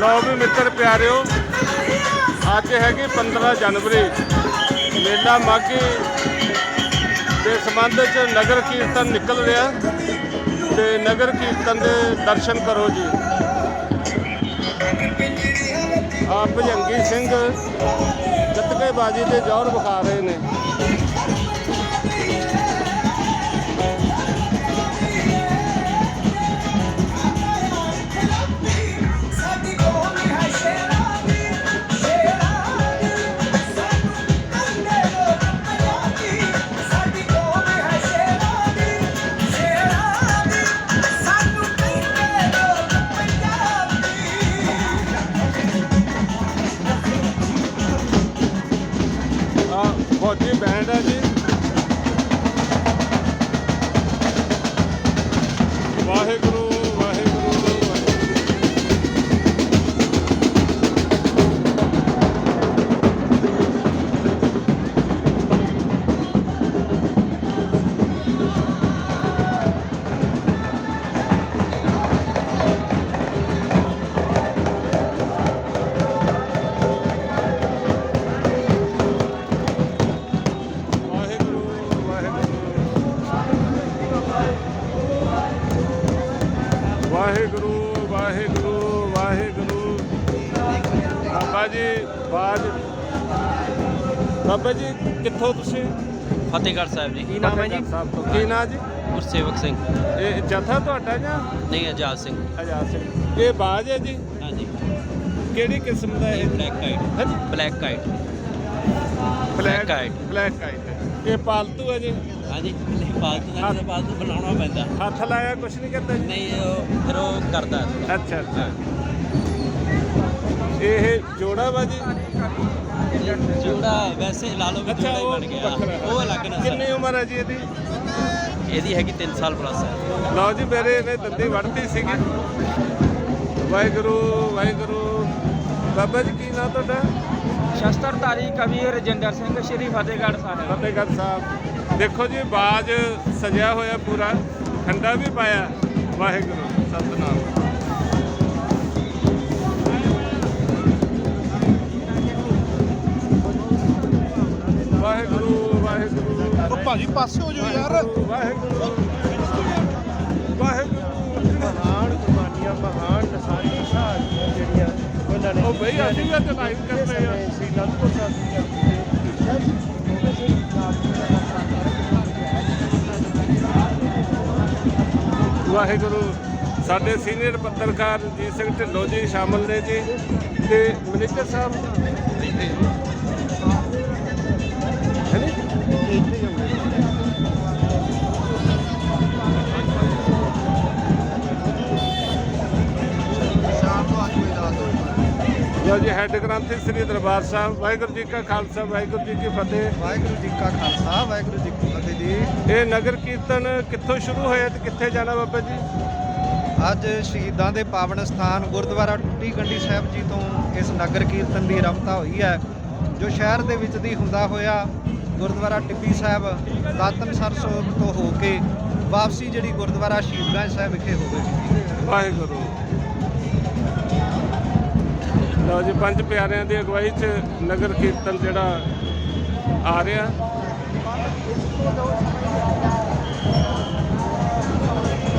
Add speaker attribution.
Speaker 1: लो भी मित्र प्यारिओ अज हैगी 15 जनवरी मेला माघी के संबंध च नगर कीर्तन निकल रहा ते नगर कीर्तन के दर्शन करो जी। आ भजंगी सिंह गतकेबाजी के जौहर विखा रहे हैं। फौजी बैंड है जी। वाहेगुरु वाहेगुरु वाहेगुरु वाहेगुरु वाहेगुरु। बाबा जी बाज बाबा जी कित्थों तुसीं?
Speaker 2: फतेहगढ़ साहब जी।
Speaker 1: की नाम है जी? की नाम जी?
Speaker 2: गुरसेवक सिंह।
Speaker 1: ये जथा तुहाडा जां?
Speaker 2: नहीं, आजाद सिंह।
Speaker 1: आजाद सिंह। ये बाज है जी?
Speaker 2: हाँ जी।
Speaker 1: किहड़ी किस्म दा है?
Speaker 2: Black kite.
Speaker 1: है जी?
Speaker 2: Black kite.
Speaker 1: Black
Speaker 2: kite.
Speaker 1: Black kite. ये पालतू है जी?
Speaker 2: हाँ जी। पालतू का पालतू बनाना पैंदा।
Speaker 1: हथ लाया कुछ नहीं करता जी?
Speaker 2: नहीं, फिर वो करता।
Speaker 1: अच्छा अच्छा। ये जोड़ा वा जी?
Speaker 2: जोड़ा वैसे ला लो भी
Speaker 1: अच्छा,
Speaker 2: जोड़ा ही
Speaker 1: वो
Speaker 2: बन गया।
Speaker 1: बखरा है।
Speaker 2: वो अलग ना
Speaker 1: कितनी उम्र है जी ਇਹਦੀ?
Speaker 2: ਇਹਦੀ ਹੈਗੀ 3 ਸਾਲ ਪਲੱਸ ਹੈ।
Speaker 1: ਲਓ ਜੀ ਮੇਰੇ ਇਹਨੇ ਦੰਦੀ ਵੜਤੀ ਸੀਗੀ। ਵਾਹਿਗੁਰੂ ਵਾਹਿਗੁਰੂ। ਬਾਬਾ ਜੀ ਕੀ ਨਾਮ ਤੁਹਾਡਾ?
Speaker 3: ਸ਼ਸਤਰਧਾਰੀ ਕਵੀ ਰਜਿੰਦਰ ਸਿੰਘ ਸ਼੍ਰੀ ਫਤਿਹਗੜ੍ਹ ਸਾਹਿਬ।
Speaker 1: ਫਤਿਹਗੜ੍ਹ ਸਾਹਿਬ। ਦੇਖੋ ਜੀ ਬਾਜ ਸਜਿਆ ਹੋਇਆ ਪੂਰਾ, ਖੰਡਾ ਵੀ ਪਾਇਆ। ਵਾਹਿਗੁਰੂ ਸਤਿਨਾਮ। ਵਾਹਿਗੁਰੂ ਵਾਹਿਗੁਰੂ।
Speaker 4: ਉਹ ਭਾਜੀ ਪਾਸੇ ਹੋ ਜਾਓ ਯਾਰ।
Speaker 1: ਵਾਹਿਗੁਰੂ ਵਾਹਿਗੁਰੂ।
Speaker 4: ਮਹਾਨ ਕੁਰਬਾਨੀਆਂ, ਮਹਾਨ ਨਸਾਨੀ ਸ਼ਹਾਦਤਾਂ ਜਿਹੜੀਆਂ ਉਹਨਾਂ ਨੇ
Speaker 1: ਉਹ ਬਈ ਅਸੀਂ ਵੀ ਅੱਜ ਲਾਈਵ ਕਰ ਰਹੇ ਹਾਂ।
Speaker 4: ਸ੍ਰੀ ਅਨੰਦਪੁਰ ਸਾਹਿਬ
Speaker 1: ਵਾਹਿਗੁਰੂ। ਸਾਡੇ ਸੀਨੀਅਰ ਪੱਤਰਕਾਰ ਰਣਜੀਤ ਸਿੰਘ ਢਿੱਲੋਂ ਜੀ ਸ਼ਾਮਲ ਨੇ ਜੀ ਤੇ ਮੈਨੇਜਰ ਸਾਹਿਬ ਹੈ ਨੀ? ਲਓ ਜੀ ਹੈੱਡ ਗ੍ਰੰਥੀ ਸ੍ਰੀ ਦਰਬਾਰ ਸਾਹਿਬ। ਵਾਹਿਗੁਰੂ ਜੀ ਕਾ ਖਾਲਸਾ ਵਾਹਿਗੁਰੂ ਜੀ ਕੀ ਫਤਿਹ।
Speaker 4: ਵਾਹਿਗੁਰੂ ਜੀ ਕਾ ਖਾਲਸਾ ਵਾਹਿਗੁਰੂ ਜੀ ਕੀ ਫਤਿਹ ਜੀ।
Speaker 1: ਇਹ ਨਗਰ ਕੀਰਤਨ ਕਿੱਥੋਂ ਸ਼ੁਰੂ ਹੋਇਆ ਤੇ ਕਿੱਥੇ ਜਾਣਾ ਬਾਬਾ ਜੀ?
Speaker 4: ਅੱਜ ਸ਼ਹੀਦਾਂ ਦੇ ਪਾਵਨ ਸਥਾਨ ਗੁਰਦੁਆਰਾ ਟੁੱਟੀ ਗੰਢੀ ਸਾਹਿਬ ਜੀ ਤੋਂ ਇਸ ਨਗਰ ਕੀਰਤਨ ਦੀ ਆਰੰਭਤਾ ਹੋਈ ਹੈ, ਜੋ ਸ਼ਹਿਰ ਦੇ ਵਿੱਚ ਦੀ ਹੁੰਦਾ ਹੋਇਆ ਗੁਰਦੁਆਰਾ ਟਿੱਬੀ ਸਾਹਿਬ ਦਾਤਨਸਰ ਸਾਹਿਬ ਤੋਂ ਹੋ ਕੇ ਵਾਪਸੀ ਜਿਹੜੀ ਗੁਰਦੁਆਰਾ ਸ਼ਹੀਦਗੰਜ ਸਾਹਿਬ ਵਿਖੇ ਹੋਵੇਗੀ।
Speaker 1: ਵਾਹਿਗੁਰੂ। ਲਓ ਜੀ ਪੰਜ ਪਿਆਰਿਆਂ ਦੀ ਅਗਵਾਈ 'ਚ ਨਗਰ ਕੀਰਤਨ ਜਿਹੜਾ ਆ ਰਿਹਾ।